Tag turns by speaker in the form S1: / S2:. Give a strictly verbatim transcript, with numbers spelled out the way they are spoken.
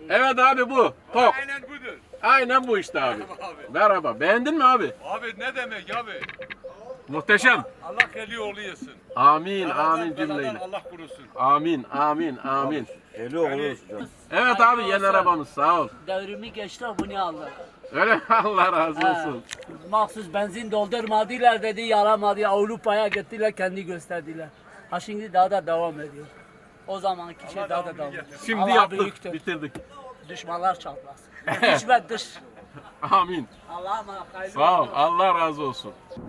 S1: Evet abi bu. Tok.
S2: Aynen budur.
S1: Aynen bu işte abi.
S2: Merhaba abi.
S1: Merhaba. Beğendin mi abi?
S2: Abi ne demek abi?
S1: Muhteşem.
S2: Allah eli oğlu yesin.
S1: Amin,
S2: Beladan,
S1: amin
S2: beladan
S1: cümleyle.
S2: Allah korusun.
S1: Amin, amin, amin.
S3: Eli olur hocam.
S1: Evet abi yeni arabamız sağ ol.
S4: Devrimi geçti bunu aldı.
S1: Öyle mi? Allah razı olsun.
S4: Mahsus benzin doldurmadılar dedi yaramadı. Avrupa'ya gittiler kendi gösterdiler. Ha şimdi daha da devam ediyor. O zamanki şey daha da devam ediyor.
S1: Şimdi
S4: Allah
S1: yaptık,
S4: büyüktür.
S1: bitirdik.
S4: Düşmanlar çatlasın. İç ve dış.
S1: Amin.
S4: Allah'a emanet. Hayırlı
S1: Sağ ol.
S4: olsun.
S1: Allah razı olsun.